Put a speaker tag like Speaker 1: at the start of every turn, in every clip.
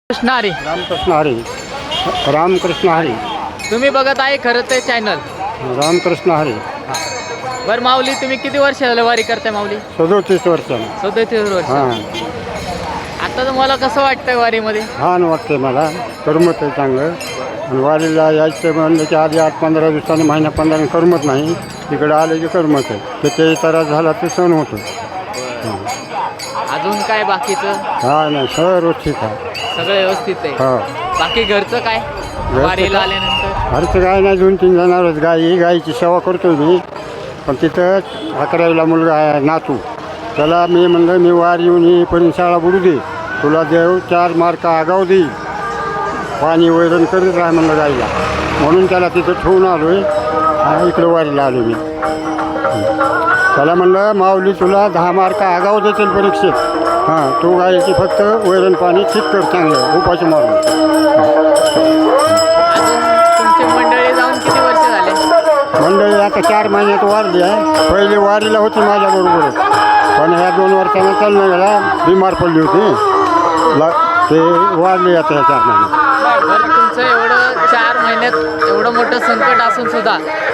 Speaker 1: कृष्ण हरी.
Speaker 2: रामकृष्ण हरी. रामकृष्ण हरी.
Speaker 1: तुम्ही बघत आहे खरं ते चॅनल.
Speaker 2: रामकृष्ण हरी.
Speaker 1: बरं माऊली, तुम्ही किती वर्ष झालं वारी करताय माऊली?
Speaker 2: 37 वर्ष.
Speaker 1: 37 वर्ष.
Speaker 2: हां,
Speaker 1: आता तुम्हाला कसं वाटतंय वारीमध्ये?
Speaker 2: छान वाटते मला. करमत आहे चांगलं. आणि वारीला यायचं म्हणलं की आधी 8-15 दिवसांनी, महिना 15 करमत नाही. तिकडे आले की करमत आहे. त्याच्याही त्रास झाला ते सण होतो.
Speaker 1: अजून काय बाकीचं?
Speaker 2: हा नाही, सर्व ठीक आहे.
Speaker 1: सगळं व्यवस्थित आहे.
Speaker 2: हो.
Speaker 1: बाकी घरचं काय? वारीला आल्यानंतर
Speaker 2: घरचं काय नाही, 2-3 जणांवरच गायीची सेवा करतो मी. पण तिथं 11वीला मुलगा आहे नातू. त्याला मी म्हणलं मी वार येऊन येईपर्यंत शाळा बुडू दे, तुला देव 4 मार्क आगाव देईल, पाणी वैरण करीत राहा म्हणलं गाईला. म्हणून त्याला तिथं ठेवून आलो आहे. इकडं वारीला आलो मी. त्याला म्हणलं माऊली तुला 10 मार्क आगाव देतील परीक्षेत. हां, तू गायीची फक्त वैरण पाणी ठीक कर चांगलं, उपाशी मारून.
Speaker 1: तुमची मंडळी जाऊन किती वर्ष झाले?
Speaker 2: मंडळी आता 4 महिन्यात वारली आहे. पहिली वारीला होती माझ्याबरोबर, पण ह्या 2 वर्षांना चालणं गेला, बिमार पडली होती. ते वारली आता ह्या 4 महिन्यात.
Speaker 1: बरं, तुमचं एवढं 4 महिन्यात एवढं मोठं संकट असून सुद्धा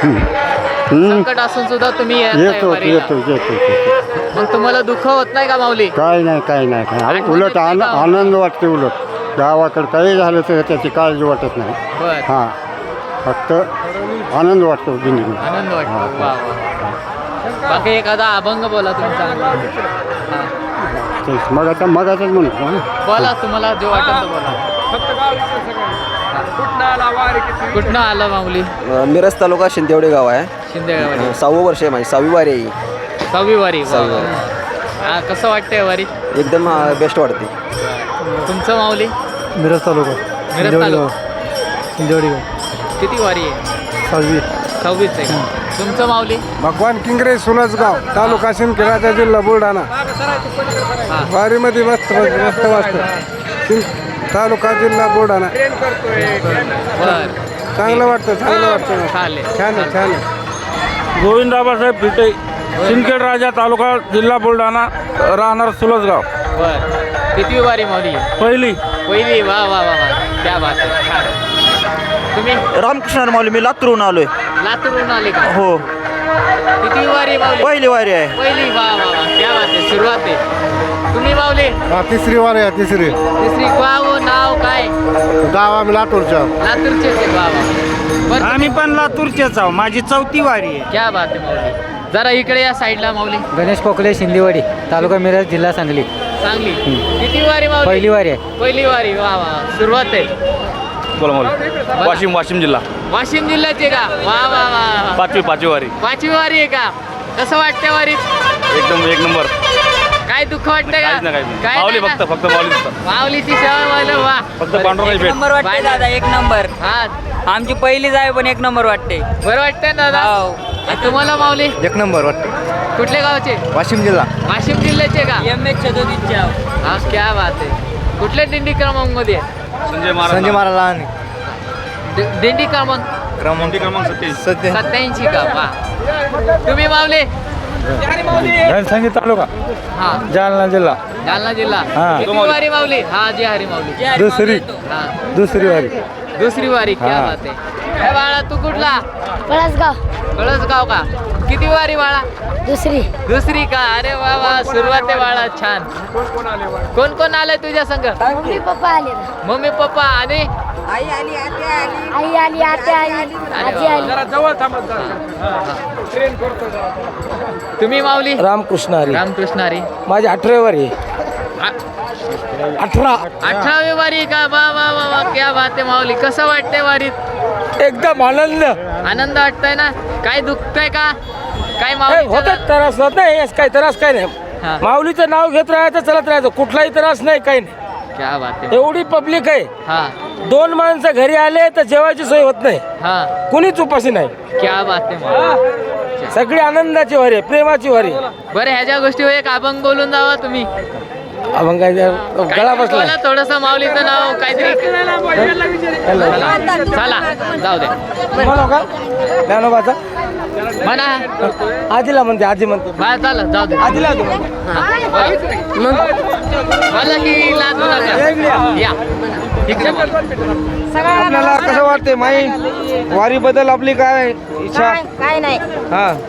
Speaker 1: तुम्ही
Speaker 2: येतो.
Speaker 1: मग तुम्हाला दुःख होत नाही का माऊली?
Speaker 2: काय नाही. उलट आनंद वाटते. उलट गावाकडं काही झालं तर त्याची काळजी वाटत नाही.
Speaker 1: बरं,
Speaker 2: हां, फक्त आनंद वाटतो जिंदगी.
Speaker 1: आनंद वाटतो. वा वा. बाकी एखादा अभंग बोला तुमचा. हां,
Speaker 2: तेच मगाचाच म्हणतो.
Speaker 1: बोला, तुम्हाला जो वाटतं तो बोला. कुठनं आला माऊली?
Speaker 3: मिरज तालुका शिंदेवाडी गाव आहे.
Speaker 1: शिंदेगाव.
Speaker 3: 6वं वर्ष आहे माझी, 6वी वारी आहे.
Speaker 1: 6वी वारी.
Speaker 3: सहावी वारी.
Speaker 1: हा, कसं वाटतंय वारी?
Speaker 3: एकदम बेस्ट वाटते.
Speaker 1: तुमचं माऊली?
Speaker 2: मिरज तालुका
Speaker 1: मिरज तालुका.
Speaker 2: शिंदेवाडी
Speaker 1: किती वारी आहे?
Speaker 2: 6वी.
Speaker 1: 6वीच आहे का? तुमचं माऊली?
Speaker 2: भगवान किंगरे सुलजगाव, तालुका शिंदखेडा, जिल्हा बुलढाणा.
Speaker 1: हां,
Speaker 2: वारीमध्ये मस्त वाटतं. तालुका जिल्हा बुलढाणा.
Speaker 1: बरं,
Speaker 2: चांगलं वाटतं.
Speaker 1: चालेल.
Speaker 2: छान आहे.
Speaker 4: गोविंद बाबासाहेब पिटे, सिंदखेड राजा, तालुका जिल्हा बुलढाणा, राहणार सुलजगाव.
Speaker 1: बरं, किती वारी माऊली?
Speaker 4: पहिली.
Speaker 1: पहिली. वा वा वा वा, त्या बात आहे. छान. तुम्ही?
Speaker 3: रामकृष्ण माऊली, मी लातूरून आलोय.
Speaker 1: लातूरून आले का?
Speaker 3: हो,
Speaker 1: किती वारी माऊली?
Speaker 3: पहिली वारी आहे.
Speaker 1: पहिली. वा वा वा, त्या बात आहे. सुरुवात आहे. तुम्ही माऊली?
Speaker 2: तिसरी वारी आहे.
Speaker 1: तिसरी. गाव नाव काय?
Speaker 2: गाव आम्ही लातूरच्या.
Speaker 1: लातूरचे ते. वा वा. बरं,
Speaker 4: आम्ही पण लातूरचेच आहो. माझी 4थी वारी आहे.
Speaker 1: क्या बात आहे माऊली. जरा इकडे या साईडला माऊली.
Speaker 5: गणेश पोकले, शिंदेवाडी, तालुका मिरज, जिल्हा सांगली.
Speaker 1: चांगली. किती वारी माऊली?
Speaker 5: पहिली वारी आहे.
Speaker 1: पहिली वारी. वा वा, सुरुवात आहे.
Speaker 4: बोला बोला. वाशिम जिल्हा.
Speaker 1: वाशिम जिल्ह्याचे का? वा वा वा.
Speaker 4: पाचवी वारी.
Speaker 1: 5वी वारी आहे का? कसं वाटतं वारीत?
Speaker 4: एकदम एक नंबर.
Speaker 1: काय दुःख वाटतंय का? काय
Speaker 4: माऊली
Speaker 1: नाही ना?
Speaker 4: फक्त माऊली.
Speaker 1: माऊलीची सेवा व्हायला. वा,
Speaker 4: फक्त पांडुरंगाची भेट.
Speaker 6: नंबर वाटते दादा, एक नंबर.
Speaker 1: हा,
Speaker 6: आमची पहिलीच आहे पण एक नंबर वाटते.
Speaker 1: बरं वाटतंय ना दादा?
Speaker 6: हो.
Speaker 1: आणि तुम्हाला माऊली?
Speaker 2: एक नंबर वाटते.
Speaker 1: कुठल्या गावचे?
Speaker 2: वाशिम जिल्हा.
Speaker 1: वाशिम जिल्ह्याचे का?
Speaker 6: MH 37.
Speaker 1: हा, क्या बात आहे. कुठल्या दिंडी क्रमांकमध्ये आहे?
Speaker 4: संजय
Speaker 2: संजय महाराज.
Speaker 1: दिंडी क्रमांक
Speaker 4: क्रमांक 27.
Speaker 1: 87 का? वा. तुम्ही माऊली?
Speaker 4: रणसंगी तालुका,
Speaker 1: हा,
Speaker 4: जालना जिल्हा.
Speaker 1: जालना जिल्हा.
Speaker 4: हा.
Speaker 1: किती वारी माऊली? हा, जी हरी माऊली.
Speaker 4: दुसरी वारी.
Speaker 1: दुसरी वारी. क्या
Speaker 4: हा.
Speaker 1: बात आहे. काय बाळा, तू कुठला?
Speaker 7: पळसगाव.
Speaker 1: कळसगाव का? किती वारी बाळा?
Speaker 7: दुसरी
Speaker 1: का? अरे वा वा, सुरुवात आहे बाळा. छान. कोण आलंय तुझ्या संग?
Speaker 7: मम्मी पप्पा आले.
Speaker 1: मम्मी पप्पा आणि
Speaker 7: आई आली, आत्या आली, आजी आली.
Speaker 1: तुम्ही माऊली?
Speaker 5: रामकृष्ण हरी.
Speaker 1: रामकृष्ण हरी.
Speaker 5: माझी 18वी वारी.
Speaker 1: 18वी वारी का? वा वा वा वा, क्या बात आहे माऊली. कसं वाटतंय वारीत?
Speaker 5: एकदम आनंद
Speaker 1: आनंद वाटतंय ना? काय दुखतंय का? काय माऊली?
Speaker 5: होतात. त्रास होत नाही. काय त्रास काय नाही.
Speaker 1: हा.
Speaker 5: माऊलीचं नाव घेत राहायचं, चलत राहायचं. कुठलाही त्रास नाही, काही नाही.
Speaker 1: क्या बात आहे.
Speaker 5: एवढी पब्लिक आहे.
Speaker 1: हा
Speaker 5: 2 माणसं घरी आले तर जेवायची सोय होत नाही.
Speaker 1: हा,
Speaker 5: कुणीच उपाशी नाही.
Speaker 1: क्या बात आहे माऊली.
Speaker 5: सगळी आनंदाची वारी आहे, प्रेमाची वारी आहे.
Speaker 1: बरं, ह्याच्या गोष्टीवर एक अभंग बोलून जावा तुम्ही.
Speaker 5: अभंग गळा बसला
Speaker 1: थोडस माऊलीचं नाव काहीतरी चला जाऊ दे
Speaker 5: म्हणू का ज्ञानोबाचा
Speaker 1: म्हणा
Speaker 5: आजीला म्हणते आजी म्हणते
Speaker 1: बाहेर चाल जाऊ दे
Speaker 5: आजीला
Speaker 1: मला की लाजू नका या इकडे बोला.
Speaker 5: आपल्याला कसं वाटते माई वारी बद्दल आपली काय इच्छा
Speaker 7: काय नाही
Speaker 5: हा